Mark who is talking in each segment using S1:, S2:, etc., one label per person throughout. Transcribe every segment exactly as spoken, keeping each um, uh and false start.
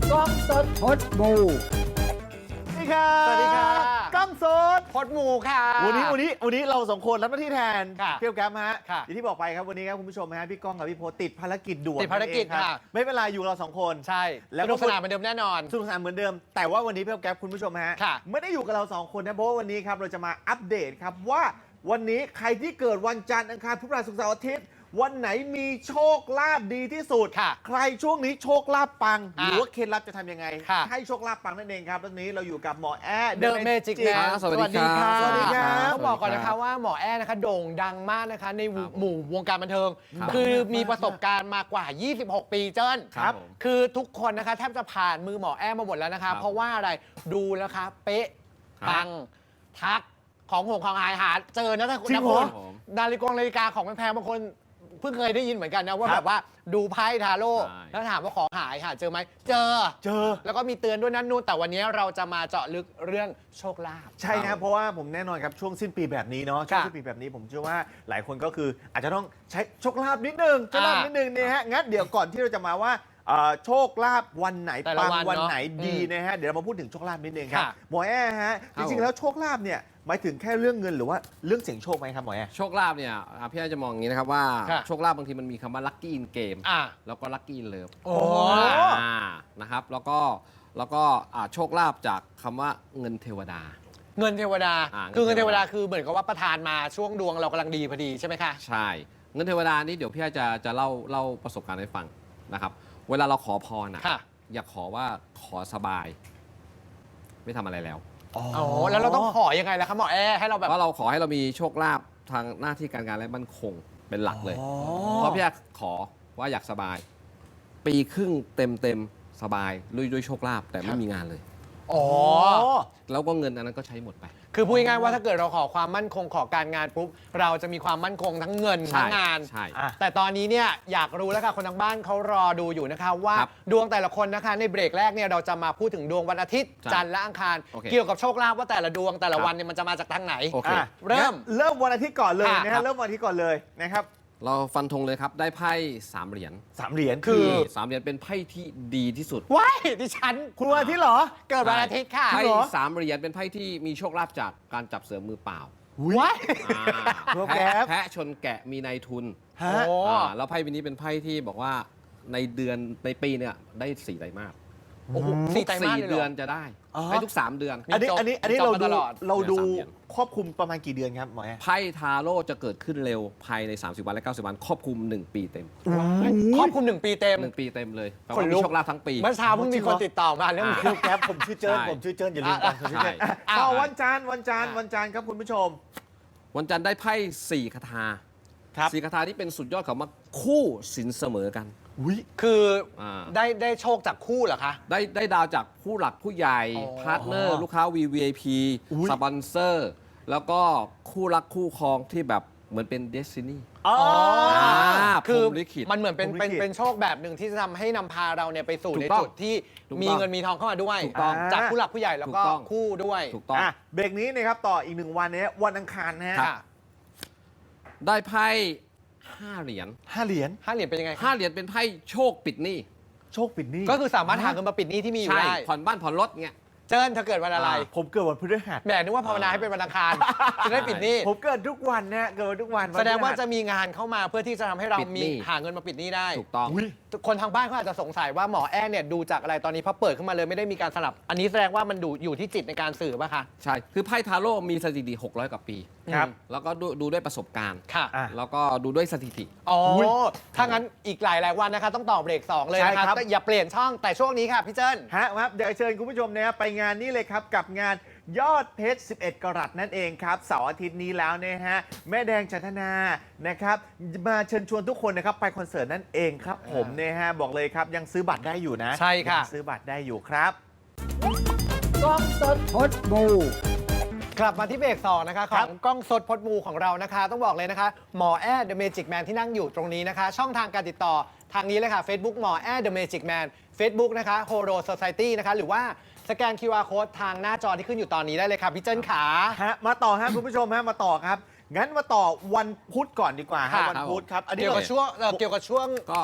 S1: กล้องสดพดบูสวัสดีค่ะ
S2: สวัสดีค่ะ
S1: กล้องสด
S2: พดหมูค่ะ
S1: วันนี้วันนี้วันนี้เราสองคนรับหน้าที่แทน
S2: ค่ะ
S1: เพียวแก๊ปฮะ
S2: ค่ะ
S1: อย่างที่บอกไปครับวันนี้ครับคุณผู้ชมฮะพี่ก้องกับพี่โพติดภารกิจด่วน
S2: ติดภารกิจ
S1: นั่นเองรับ
S2: ค่ะ
S1: ไม่เป็นไรอยู่เราสองคน
S2: ใช่
S1: แล้ว
S2: ส
S1: ก็
S2: นุกสนานเหมือนเดิมแน่นอน
S1: สนุกสนานเหมือนเดิม แต่ว่าวันนี้พี่แก๊ปคุณผู้ชมฮะ
S2: ค่ะ
S1: ไม่ได้อยู่กับเราสองคนนะเพราะว่าวันนี้ครับเราจะมาอัปเดตครับว่าวันนี้ใครที่เกิดวันจันทร์อังคารพุธพฤหัสศุกร์เสาร์อาทิตย์วันไหนมีโชคลาภดีที่สุด
S2: ค่ะ
S1: ใครช่วงนี้โชคลาภปังห
S2: อ่ะ
S1: รือว่าเคล็ดลับจะทำยังไง
S2: ค่ะ
S1: ให้โชคลาภปังนั่นเองครับวันนี้เราอยู่กับหมอแอร์
S2: The Magic Man
S3: สวัสดีครับ
S1: สวัสดีครับ
S2: ต้องบอกก่อนนะคะว่าหมอแอ้นะคะโด่งดังมากนะคะในหมู่วงการบันเทิง
S3: ครับ
S2: คือมีประสบการณ์มากว่า ยี่สิบหก ปีเจิ้น
S1: ครับ
S3: ผม
S2: คือทุกคนนะคะแทบจะผ่านมือหมอแอ้มาหมดแล้วนะคะ
S3: ครับ
S2: เพราะว่าอะไรดูแล้วคะเป๊ะ
S3: ครับ
S2: ปังทักของหงของหายหาเจอนะถ้า
S1: จริง
S2: นะ
S1: เหร
S2: คุ
S1: อ
S2: ณนาฬิกานาฬิกาของแพงๆบางคนเพิ่งเคยได้ยินเหมือนกันนะว่า
S1: ครั
S2: แบบ บว่าดูไพ่ทาโร่
S3: ใช่
S2: แล้วถามว่าของหายหาเจอไหมเจอ
S1: เจอ
S2: แล้วก็มีเตือนด้วยนั่นนู่นแต่วันนี้เราจะมาเจาะลึกเรื่องโชคลาภ
S1: ใช่ครับเพราะว่าผมแน่นอนครับช่วงสิ้นปีแบบนี้เนาะช่วง
S2: ค่ะ
S1: สิ้นปีแบบนี้ผมเชื่อว่าหลายคนก็คืออาจจะต้องใช้โชคลาภนิดนึงโชคลาภ
S2: อ่านิ
S1: นิดนึงเนี่ยฮะงั้นเดี๋ยวก่อนที่เราจะมาว่าเอ่อโชคลาภวันไหน
S2: แต่ละ
S1: ปัง
S2: วัน
S1: วัน
S2: เนอะ
S1: ไหนดี
S2: อืม
S1: นะฮะเดี๋ยวเรามาพูดถึงโชคลาภนิดนึงครับ
S2: ค่ะ
S1: หมอแอ้ฮะ
S3: ครั
S1: จ
S3: บ
S1: ริงๆแล้วโชคลาภเนี่ยหมายถึงแค่เรื่องเงินหรือว่าเรื่องเสี่ยงโชคไหมครับหมอแอ้
S3: โชคลาภเนี่ยอ่ะพี่อาจะมองอย่างนี้นะครับว่า
S2: ค่ะ
S3: โชคลาภบางทีมันมีคำว่า lucky in game
S2: อ่ะ
S3: แล้วก็ lucky in love
S2: โอ้
S3: อ่านะครับแล้วก็แล้วก็อ่าโชคลาภจากคำว่าเงินเทวดา
S2: เงินเทวดา
S3: อ่า
S2: คือเงิน
S3: เงิน
S2: เท
S3: เท
S2: ว
S3: ว
S2: ดา
S3: ดา
S2: คือเหมือนกับว่าประทานมาช่วงดวงเรากำลังดีพอดีใช่ไหมคะ
S3: ใช่ เงินเทวดานี่เดี๋ยวพี่อาจะจะเล่าเล่าประสบการณ์ให้ฟังนะครับเวลาเราขอพรนะ
S2: ค่ะ
S3: อย่าขอว่าขอสบาย ไม่ทำอะไรแล้ว
S2: อ๋อแล้วเราต้องขอยังไงล่ะคะหมอแอร์ให้เราแบบ
S3: เพราะเราขอให้เรามีโชคลาภทางหน้าที่การงานและมั่นคงเป็นหลักเลย
S1: อ๋อ
S3: เพราะพี่อาขอว่าอยากสบาย ปีครึ่งเต็มเต็มๆสบายด้วยด้วยโชคลาภแต่ไม่มีงานเลย
S2: อ๋อ
S3: แล้วก็เงินอันนั้นก็ใช้หมดไป
S2: คือพูดง่ายๆว่าถ้าเกิดเราขอความมั่นคงขอการงานปุ๊บเราจะมีความมั่นคงทั้งเงิน
S3: ใช่
S2: ทั้งงาน
S3: ใช่
S1: อ่ะ
S2: แต่ตอนนี้เนี่ยอยากรู้แล้วค่ะคนทางบ้านเขารอดูอยู่นะคะว่า
S3: ครับ
S2: ดวงแต่ละคนนะคะในเบรกแรกเนี่ยเราจะมาพูดถึงดวงวันอาทิตย์
S3: ใช่
S2: จันทร์และอังคาร
S3: โอเค
S2: เกี่ยวกับโชคลาภว่าแต่ละดวงแต่ละ
S3: ครับ
S2: วันเนี่ยมันจะมาจากทางไหน
S3: โอเค
S1: อ่ะ
S2: เริ่ม
S1: งั้นเริ่มวันอาทิตย์ก่อนเลย
S2: ค่ะ
S1: นะ
S3: ครั
S1: ฮะ
S3: บ
S1: เริ่มวันอาทิตย์ก่อนเลยนะครับ
S3: เราฟันธงเลยครับได้ไพ่สามเหรียญ
S1: สามเหรียญ
S2: คื
S1: คือ
S2: อ
S3: สามเหรียญเป็นไพ่ที่ดีที่สุด
S2: ว้ายดิฉัน
S1: คุณวันอาทิตย์เหรอ
S2: เกิดวันอาทิตย์ค่ะ
S3: ไพ่
S1: เหรอ
S3: สามเหรียญเป็นไพ่ที่มีโชคลาภจากการจับเสือมือเปล่า
S2: ว้าย
S3: อ่า
S1: โปรแกร
S3: แพะ
S1: ม
S3: แพะชนแกะมีนายทุน
S1: ฮะ
S2: โอ้
S3: อ่าแล้วไพ่ใบนี้เป็นไพ่ที่บอกว่าในเดือนในปีเนี่ยได้สี่ไตรมาส
S2: โอ้โหสี่ไตรมาสเลยเหรอ
S3: เดือนจะได้
S1: อ๋อ
S3: ให้ทุกสามเดือน
S1: อันนี้
S2: จบ
S1: อันนี้อันนี้
S2: จบ
S1: เรา
S2: มา
S1: ดู
S2: ตลอด
S1: เราดู
S3: เดือนสามเดือน
S1: ครอบคลุมประมาณกี่เดือนครับหมอแอ้
S3: ไพ่ทาโร่จะเกิดขึ้นเร็วภายในสามสิบวันและเก้าสิบวันครอบคลุมหนึ่งปีเต็ม
S2: ครอบคลุมหนึ่งปีเต็ม
S3: หนึ่งปีเต็มเลยแปล
S2: ขน
S3: ว่า
S2: ลุ
S3: มี
S2: ก
S3: โชคลาภทั้งปี
S2: เมื่อเช้าเพิ่งมีคนติดต่อมาเรื่อง
S3: อ่า
S2: นี้
S1: คือแก๊ปผมชื่อเจิ้น
S3: ใช่
S1: ผมชื่อเจิ้นอย่าลืมกันผมชื่อเจิ้น
S3: ใช่
S1: อ่ะ
S2: อ่ะ
S1: ต่อวันจันทร์วันจันทร์วันจันทร์ครับคุณผู้ชม
S3: วันจันทร์ได้ไพ่สี่คาถา
S1: ครับ
S3: สี่คาถาที่เป็นสุดยอดของมาคู่สินเสมอกัน
S1: อุ้ย
S2: คืออา ได้ได้โชคจากคู่เหรอคะ
S3: ได้ได้ดาวจากผู้หลักผู้ใหญ่
S2: อ๋อ
S3: พาร์ทเนอร์ ลูกค้า วี วี ไอ พี
S1: อุ๊ย
S3: สปอนเซอร์ แล้วก็คู่รักคู่ครองที่แบบเหมือนเป็นเดสตินี
S1: อ๋อ
S3: อ่า
S2: คือ
S3: พรหมลิขิต
S2: มันเหมือนเป็น
S1: พรหมลิ
S2: เป็น
S1: ขิต
S2: เป็นโชคแบบหนึ่งที่จะทำให้นำพาเราเนี่ยไปสู่
S3: ถู
S2: ใน
S3: กต้อง
S2: จุดที่
S3: ถูก
S2: มี
S3: ต้อง
S2: เงินมีทองเข้ามาด้วย
S3: ถูกต้อง
S2: จากผู้หลักผู้ใหญ่แล้วก็
S3: ถูกต้อง
S2: คู่ด้วย
S3: ถูกต้อง
S1: อ่ะเบรกนี้นะครับต่ออีกหนึ่งวันเนี้ยวันอังคารนะฮะ
S2: ค่ะ
S3: ได้ไพ่ห้าเหรียญ
S1: ห้าเหรียญ
S2: ห้าเหรียญเป็นยังไงคะ
S3: ห้าเหรียญเป็นไพ่โชคปิดหนี้
S1: โชคปิดหนี้
S2: ก็คือสามารถหาเงินมาปิดหนี้ที่มีอยู่
S3: ใช่
S2: ได้
S3: ผ่อนบ้านผ่อนรถเงี้ย
S2: เจิ้นเธอเกิดวันอะไร
S3: อ่า
S1: ผมเกิดวันพฤหัส
S2: แหมนึกว่าภาวนาให้เป็นวันอังคารจะได้ปิดหนี้
S1: ผมเกิดทุกวันนะเกิดวันทุกวันน
S2: แสดงว่า
S1: พฤหัส
S2: จะมีงานเข้ามาเพื่อที่จะทำให้เรา
S3: ปิดห
S2: มี
S3: นี้
S2: หาเงินมาปิดหนี้ได้
S3: ถูกต้อง
S1: อุ๊ย
S2: คนทางบ้านเขาอาจจะสงสัยว่าหมอแอ้เนี่ยดูจากอะไรตอนนี้พอเปิดขึ้นมาเลยไม่ได้มีการสลับ อันนี้แสดงว่ามันดูอยู่ที่จิตในการสื่อป่ะคะ
S3: ใช่ คือไพ่ทาโร่มีสถิติหกร้อยกว่าปี
S1: ครับ
S3: แล้วก็ดูดูด้วยประสบการณ์
S2: ค่ะ
S1: อ่ะ
S3: แล้วก็ดูด้วยสถิติ
S2: อ๋ออย
S1: ย
S2: ถ้างั้นอีกหลายหลายๆวันนะคะต้องต่อเบรกสองเลย
S1: ใช่
S2: นะค
S1: ครั
S2: รับบ ก็อย่าเปลี่ยนช่องแต่ช่วงนี้ค่ะพี่เจิ้น
S1: ฮะครับเดี๋ยวเชิญคุณผู้ชมนะครับไปงานนี้เลยครับกับงานยอดเพชร สิบเอ็ด กรัตนั่นเองครับเสาร์อาทิตย์นี้แล้วนะฮะแม่แดงจันทนานะครับมาเชิญชวนทุกคนนะครับไปคอนเสิร์ตนั่นเองครับผมนะฮะบอกเลยครับยังซื้อบัตรได้อยู่นะ
S2: ใช่ค่ะ
S1: ยังซื้อบัตรได้อยู่ครับ
S4: กล้องสดพดบู
S2: กลับมาที่เบรกสองนะคะข
S1: ครั
S2: อบ งกล้องสดพดมูของเรานะคะ ต้องบอกเลยนะคะ หมอแอร์ The Magic Man ที่นั่งอยู่ตรงนี้นะคะ ช่องทางการติดต่อทางนี้เลยค่ะ Facebook หมอแอร์ The Magic Man Facebook นะคะ Horo Society นะคะหรือว่าสแกน คิว อาร์ Code ทางหน้าจอที่ขึ้นอยู่ตอนนี้ได้เลยค่ะพี่เจิ้นขา
S1: ฮะมาต่อฮะคุณผู้ชมฮะมาต่อครับ งั้นมาต่อวันพุธก่อนดีกว่าฮะ
S2: ค่ะ
S1: วันพุธครับอันนี้
S2: เกี่ยวกับ
S1: เรา
S2: ช่วงเอ่อเกี่ยวกับช่วง
S3: ก็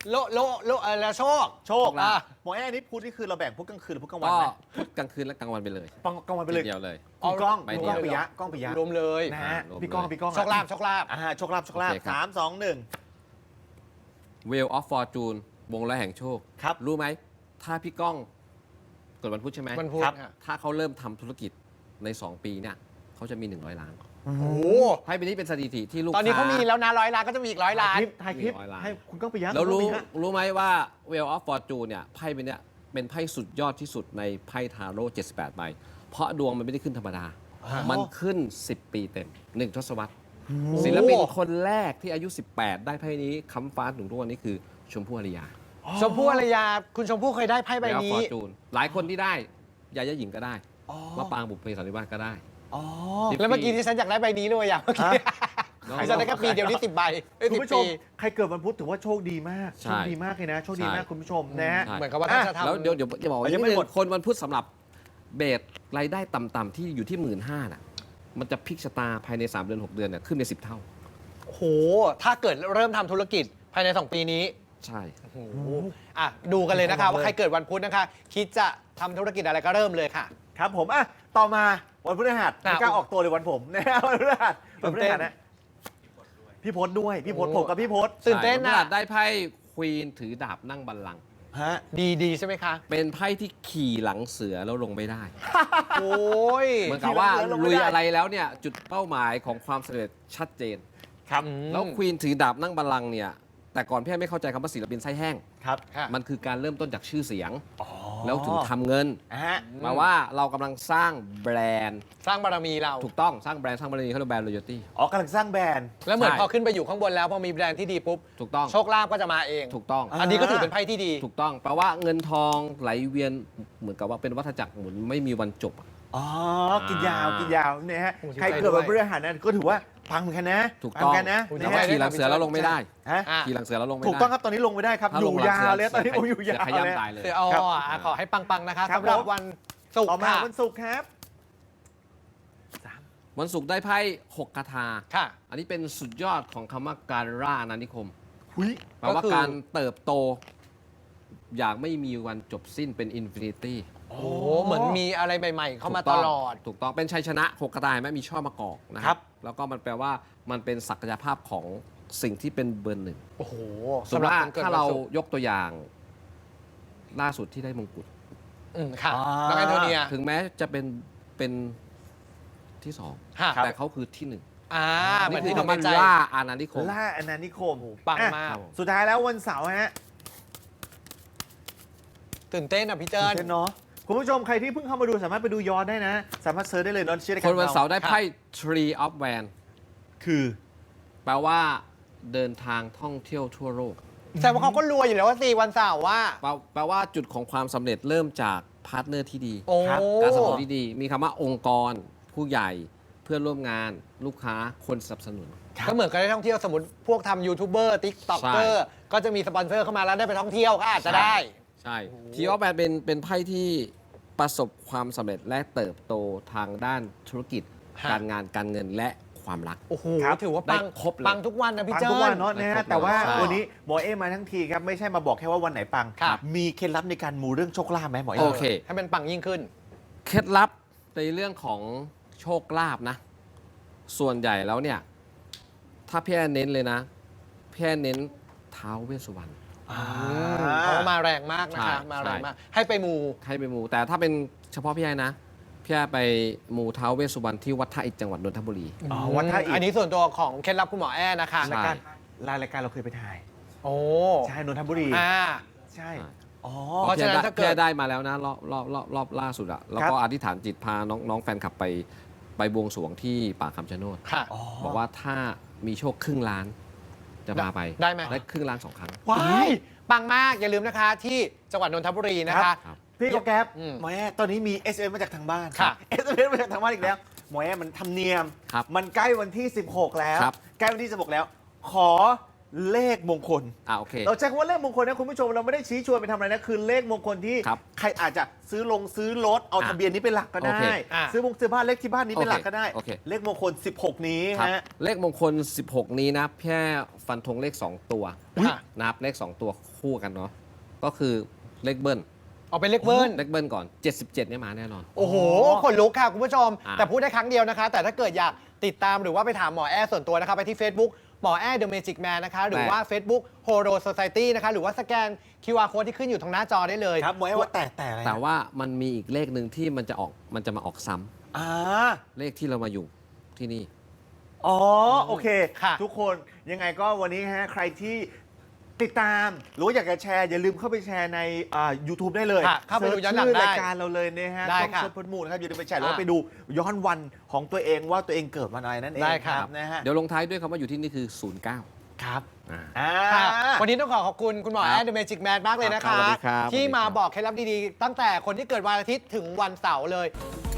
S2: โลโลโลอะไรโชค
S1: โชค
S2: อ่ะ
S1: หมอแอ้นี่พูดนี่คือเราแบ่งพุธกลางคืนหรือพุธกลางวัน
S3: ก็
S1: ไหม
S3: พุธกลางคืนและกลางวันไปเลย
S1: ปังกลางวันไปเลย
S3: ทีเดียวเลย
S1: คุณกล้อง
S3: ไป
S1: คุณกล้อง
S3: เดี
S1: ปิ
S3: ยว
S1: ยะกล้องปิยะ
S2: รวมเลย
S1: นะฮะ
S3: อ่ารวม
S1: พี่กล้อง
S3: เลย
S1: พี่กล้อง
S2: โชคลาภโชคลาภ
S1: อ่าโชคลาภโชคลาภ
S3: โอเคครับ
S1: สามสองหนึ่ง
S3: Wheel of Fortune วงล้อแห่งโชค
S1: ครับ
S3: รู้ไหม ถ้าพี่ก้องเกิดวันพุธใช่ไหม
S2: มันพูด
S1: ครับ
S2: ค่ะ
S3: ถ้าเขาเริ่มทำธุรกิจใน สอง ปีเนี่ยเขาจะมี หนึ่งร้อยล้าน
S2: โอ้โห
S3: ไพ่ใบนี้เป็นสถิติที่ลูก
S2: ตอนนี้เขา
S3: ค้า
S2: มีแล้วนะร้อยล้านก็จะมีอีกร้อยล้าน
S1: คลิปถ่ายคลิป
S3: มีร้อยล้าน
S1: ให้คุณกล้องปิยะ
S3: แล้วรู้
S1: คุณกล้องปิยะ
S3: รู้ไหมว่า Wheel of Fortune เนี่ยไพ่ใบเนี้ยเป็นไพ่สุดยอดที่สุดในไพ่ทาโร่เจ็ดสิบแปดใบเพราะดวงมันไม่ได้ขึ้นธรรมดา มันขึ้น สิบ ปีเต็ม หนึ่ง ทศวรรษ ศิลปินคนแรกที่อายุ สิบแปด ได้ไพ่นี้ค้ำฟ้าถึงทุกวันนี้คือชมพู่อารยา
S2: ชมพู่อารยาคุณชมพู่เคยได้ไพ่ใบ
S3: Wheel of
S2: นี้
S3: Fortune หลายคนที่ได้ยายาหญิงก็ได้มะปรางบุพเพสันนิวาสก็ได้
S1: อ๋อ
S2: แล้วเมื่อกี้ที่ฉันอยากได้ใบนี้เลยอ่ะเมื่อกี้
S3: ฮะ
S2: ดิฉันได้แค่ปีเดียวนี่สิบใบเอ้ย
S1: คุณ
S2: สิบ
S1: ผู้ช
S2: ปี
S1: มใครเกิดวันพุธถือว่าโชคดีมาก
S3: ใช่
S1: โชคดีมากเลยนะโชคดีมาก
S3: ใช่
S1: คุณผู้ชมนะฮะ
S3: ใช่
S2: เหมือนกับว่าถ้าจะทำ
S3: แล้วเดี๋ยวเดี๋ยวจะบอกว่า
S1: ยังไม่
S3: นิดนึ
S1: หมด
S3: คนวันพุธสำหรับเบสรายได้ต่ำๆที่อยู่ที่หมื่นห้าน่ะมันจะพลิกชะตาภายใน สาม เดือน หก เดือนเนี่ยขึ้นในสิบเท่า
S2: โอ้โห ถ้าเกิดเริ่มทำธุรกิจภายใน สอง ปีนี้
S3: ใช่
S2: โอ้โหอ่ะดูกันเลยนะคะว่าใครเกิดวันพุธนะคะ คิดจะทำธุรกิจอะไรก็เริ่มเลยค่ะ
S1: ครับผมอ่ะต่อมาวันพฤหัส
S2: อ่ะ
S1: ไม่กล้าออกตัวเลยวันผมนะฮะวันพฤหัสวันพฤหัสนะพี่พศด้วยพี่พศ
S2: โอ้
S1: ผมกับพี่พศ
S2: ตื่นเต้น
S3: ใช่
S2: นะ
S3: วัพฤหัสได้ไพ่ควีนถือดาบนั่งบัลลังก์
S1: ฮะ
S2: ดีดีใช่ไหมคะ
S3: เป็นไพ่ที่ขี่หลังเสือแล้วลงไม่ได้
S2: โอ้ย
S3: เหมือนกับว่า
S1: ขี่หลังเสือลงไม่
S3: ลุ
S1: ได้
S3: ยอะไรแล้วเนี่ยจุดเป้าหมายของความสำเร็จชัดเจน
S1: ครับ
S2: อืม
S3: แล้วควีนถือดาบนั่งบัลลังก์เนี่ยแต่ก่อนพี่ไม่เข้าใจคำว่าศิลปินไส้แห้ง
S1: ครับ
S2: ค่ะ
S3: มันคือการเริ่มต้นจากชื่อเสียง
S1: อ๋อ
S3: แล้วถึงทำเงิน
S1: อ่ะฮะ
S3: หมายว่าเรากำลังสร้างแบรนด์
S2: สร้างบารมีเรา
S3: ถูกต้องสร้างแบรนด์สร้างบารมีเขาเรียกแบรนด์ loyalty
S1: อ๋อกำลังสร้างแบรนด์
S2: แล้วเหมือน
S3: ใช่
S2: พอขึ้นไปอยู่ข้างบนแล้วพอมีแบรนด์ที่ดีปุ๊บ
S3: ถูกต้อง
S2: โชคลาภก็จะมาเอง
S3: ถูกต้อง
S1: อ่า
S2: อันนี้ก็ถือเป็นไพ่ที่ดี
S3: ถูกต้องแปลว่าเงินทองไหลเวียนเหมือนกับว่าเป็นวัฏจักรหมุนไม่มีวันจบอะ
S1: อ๋อกินยาวกินยาวเนี่ยฮะ
S2: โอ้ดีใจ
S1: ใครเกิดวัน
S2: ด้วย
S1: พฤหัสนั้นก็ถือว่าพังเหมือนกันนะ
S3: ถูก
S1: พั
S3: ต้อง
S1: เหมืนกันนะ
S2: โอ้ดี
S3: แต่
S1: นะ
S3: ว่า
S1: ฮะ
S3: ขี่หลังเสือแล้วลงไม่ได้
S1: ฮะ
S2: อ่ะ
S3: ขี่หลังเสือแล้วลงไม่ได้
S1: ถูกต้องครับตอนนี้ลงไม่ได้ครับ
S3: ถ้า
S1: อ
S3: ล
S1: ยู่
S3: งหลัง
S1: ยา
S3: เสื
S1: วเลยตอนนี้ผมอยู่ยาว
S3: เสืขย้ำ
S1: เลย
S3: ตายเลย
S2: เดี๋ยวเอา
S1: ครับ
S2: อ่ะขอให้ปังๆนะคะ
S1: ครับ
S2: สำหรับ
S1: ผม
S2: วันศุก
S1: ต่อ
S2: ร์
S1: มา
S2: ค่ะ
S1: วันศุกร์ครับ
S3: วันศุกร์ได้ไพ่หกคาถา
S2: ค่ะ
S3: อันนี้เป็นสุดยอดของคำว่าการร่าอาณานิคม
S1: หุย
S3: แปลว่า
S2: ก็คือ
S3: การเติบโต อย่างไม่มีวันจบสิ้นเป็นอินฟินิตี้
S2: โอ้โหเหมือนมีอะไรใหม่ๆ เข้ามาตลอด
S3: ถูกต้องเป็นชัยชนะหกกระต่ายไหมมีช่อมะกอกนะค
S1: ครั
S3: รับ บ แล้วก็มันแปลว่ามันเป็นศักยภาพของสิ่งที่เป็นเบอร์หนึ่ง
S2: โอ้โห
S3: สมม
S2: สำห
S3: ติ
S2: รับ
S3: ว่า
S2: คนเกิด
S3: ถ้า
S2: วัน
S3: เรา
S2: ศุกร์
S3: ยกตัวอย่าง ล่าสุดที่ได้มงกุฎ
S2: อืมค่ะ
S1: อ่า
S2: น้องแอนโทเนีย
S3: ถึงแม้จะเป็นเป็นที่สอง
S2: ค่ะ
S3: แต่เขาคือที่หนึ่ง
S2: อ่าเหมื
S3: นี่
S2: อน
S3: คือ
S2: ที่ทำ
S3: คำว่า
S2: ในใจ
S3: ล่าอาณานิคม
S1: ล่าอนานิคม
S2: โอ้โหปัง
S1: อ่ะ
S2: มาก
S1: สุดท้ายแล้ววันเสาร์ฮะ
S2: ตื่นเต้นอ่ะพี่เจิ้น
S1: เช่นเนาะคุณผู้ชมใครที่เพิ่งเข้ามาดูสามารถไปดูย้อนได้นะ สามารถเซิร์ชได้เลยนอนเชื่อได้
S3: คนวันเสาร์ได้
S2: ครับ
S3: ไพ่ Tree of Van
S1: คือ
S3: แปลว่าเดินทางท่องเที่ยวทั่วโลก
S2: แต่ว่าเขาก็รวยอยู่แล้วว่าสี่วันเสาร์ว่า
S3: แปลแปลว่าจุดของความสำเร็จเริ่มจากพาร์ทเนอร์ที่ดี
S2: โอ้
S1: ครับ
S3: การสนับสนุนที่ดี มีคำว่าองค์กร ผู้ใหญ่ เพื่อนร่วมงาน ลูกค้า คนสนับสนุน
S2: ก็เหมือนกับได้ท่องเที่ยวสมมติพวกทำยูทูบเบอร์ติ๊กต็อก
S3: ใช่
S2: เกอร์ก็จะมีสปอนเซอร์เข้ามาแล้วได้ไปท่องเที่ยวก็อาจจะได้
S3: ใช่ทีออฟแบนเป็นเป็นไพ่ที่ประสบความสำเร็จและเติบโตทางด้านธุรกิจ
S2: ฮะ
S3: การงานการเงินและความรัก
S2: โอ้โห
S1: ครับ
S2: ถือว่าปัง
S3: ได้ครบเลย
S2: ปังทุกวันนะพี่
S1: ปัง
S2: เจิ้
S1: ทุกวัน
S2: น
S1: เนาะนะ
S3: ได้
S1: ฮะ
S3: ครบ
S1: แต่ว่า
S2: ใช่
S1: วันนี้หมอเอมาทั้งทีครับ ไม่ใช่มาบอกแค่ว่าวันไหนปัง
S2: ครับ
S1: มีเคล็ดลับในการมูเรื่องโชคลาภไหมหมอเอ
S3: โอเค
S2: ให้มันปังยิ่งขึ้น
S3: เคล็ดลับในเรื่องของโชคลาภนะ ส่วนใหญ่แล้วเนี่ย ถ้าพี่แอนเน้นเลยนะ พี่แอนเน้นท้าวเวสสุวรรณ
S1: อ่า
S2: เพราะว่ามาแรงมากนะคะ
S3: ใช่
S2: มาแรง
S3: ใช่
S2: มาก ให้ไปมู
S3: ให้ไปมู แต่ถ้าเป็นเฉพาะพี่แอนนะ พี่แอนไปมูท้าวเวสสุวรรณที่วัดท่าอิฐจังหวัดนนทบุรี
S1: อ๋อวัดท่าอิฐ
S2: อันนี้ส่วนตัวของเคล็ดลับคุณหมอแอ้นะคะ
S3: ใช่
S1: รายการรายการเราเคยไปถ่าย
S2: โอ้
S1: ใช่นนทบุรี
S2: อ่า
S1: ใช่ อ๋อ
S2: เพราะฉะนั้นถ้าเกิด
S3: พี่แอนได้มาแล้วนะรอบรอบรอบรอบล่าสุดอะแล้วก็
S1: ครับ
S3: อธิษฐานจิตพาน้องน้องแฟนคลับไปไปบวงสรวงที่ป่าคำชะโนด
S2: ค่ะ
S1: อ๋อ
S3: บอกว่าถ้ามีโชคครึ่งล้าน จะพาไป
S2: ได้ไหม
S3: ได้ครึ่งล้านสองครั้ง
S2: ว้ายปังมาก อย่าลืมนะคะที่จังหวัดนนทบุรีนะคะ
S3: ครับ
S1: พี่ก็แก๊ป
S2: อืม
S1: หมอแอตอนนี้มี เอส เอ็ม มาจากทางบ้าน
S2: ครับ
S1: เอส เอ็ม มาจากทางบ้านอีกแล้ว หมอแอมันทำเนียม
S3: ครับ
S1: มันใกล้วันที่ สิบหก แล้ว
S3: ครับ
S1: ใกล้วันที่ สิบหก แล้ว ขอเลขมงคล
S3: อ่าโอเค
S1: เราใช้คำว่าเลขมงคลนะคุณผู้ชมเราไม่ได้ชี้ชวนไปทำอะไรนะคือเลขมงคลที่
S3: ครับ
S1: ใครอาจจะซื้อลงซื้อรถเอา
S3: อ่ะ
S1: ทะเบียนนี้เป็นหลักก็ได้
S3: โอเค
S2: อ่ะ
S1: ซื้อมงซื้อบ้านเลขที่บ้านนี้เป็นหลักก็ได้
S3: โอเค
S1: เลขมงคลสิบหกนี้
S3: ครับ
S1: ฮะ
S3: เลขมงคล สิบหก นี้นะแค่ฟันธงเลข สอง ตัว
S2: อุ๊ย
S3: นะครับเลข สอง ตัวคู่กันเนาะก็คือเลขเบิ้ล
S2: เอาเป็นเลขเบิ้ล
S3: เลขเบิ้ลก่อน เจ็ดสิบเจ็ดเนี่ยมาแน่นอน
S2: โอ้โหขนลุกค่ะคุณผู้ชม
S3: อ่ะ
S2: แต่พูดได้ครั้งเดียวนะคะ แต่ถ้าเกิดอยากติดตามหรือว่าไปถามหมอแอร์ส่วนตัวนะคะ ไปที่ Facebook หมอแอร์ The Magic Man นะคะ หรือว่า Facebook Horo Society นะคะ หรือว่าสแกน คิว อาร์ Code ที่ขึ้นอยู่ตรงหน้าจอได้เลย
S1: ครับหมอให้ว่าแต่แต่อะไรนะ
S3: แต่ว่ามันมีอีกเลขหนึ่งที่มันจะออกมันจะมาออกซ้ำ
S1: อ่า
S3: เลขที่เรามาอยู่ที่นี่
S1: อ๋อโอเค
S2: ค่ะ
S1: ทุกคนยังไงก็วันนี้ฮะใครที่ติดตามหรือว่าอยากจะแชร์อย่าลืมเข้าไปแชร์ในอ่า YouTube ได้เลย
S2: ค่ะเข้าไปดูย้อนหลัง
S1: เสิร์ชชื่อ
S2: ได้
S1: รายการเราเลยนะฮะ
S2: ได้
S1: ต้อง
S2: ค่ะ
S1: เซิร์ชพดมูลนะครับอย่าลืมไปแชร์หรือว่า
S2: อ่า
S1: ไปดูย้อนวันของตัวเองว่าตัวเองเกิดวันอะไรนั่นเอง
S2: ได้
S1: ค
S2: ครั
S1: รับบ นะฮะ
S3: เดี๋ยวลงท้ายด้วยคำว่าอยู่ที่นี่คือ ศูนย์ เก้า
S1: ครับ
S3: อ่า
S1: อ่า
S2: ค่ะวันนี้ต้องขอขอบคุณคุณหมอ
S3: ค
S2: แอ
S3: รับ
S2: ด The Magic Man มากเลยนะ
S3: ครั
S2: คะ
S3: บสวัสดีครับ
S2: ที่
S3: สวัสดี
S2: มา
S3: ครับ
S2: บอกเคล็ดลับดีๆ ตั้งแต่คนที่เกิดวันอาทิตย์ถึงวันเสาร์เลย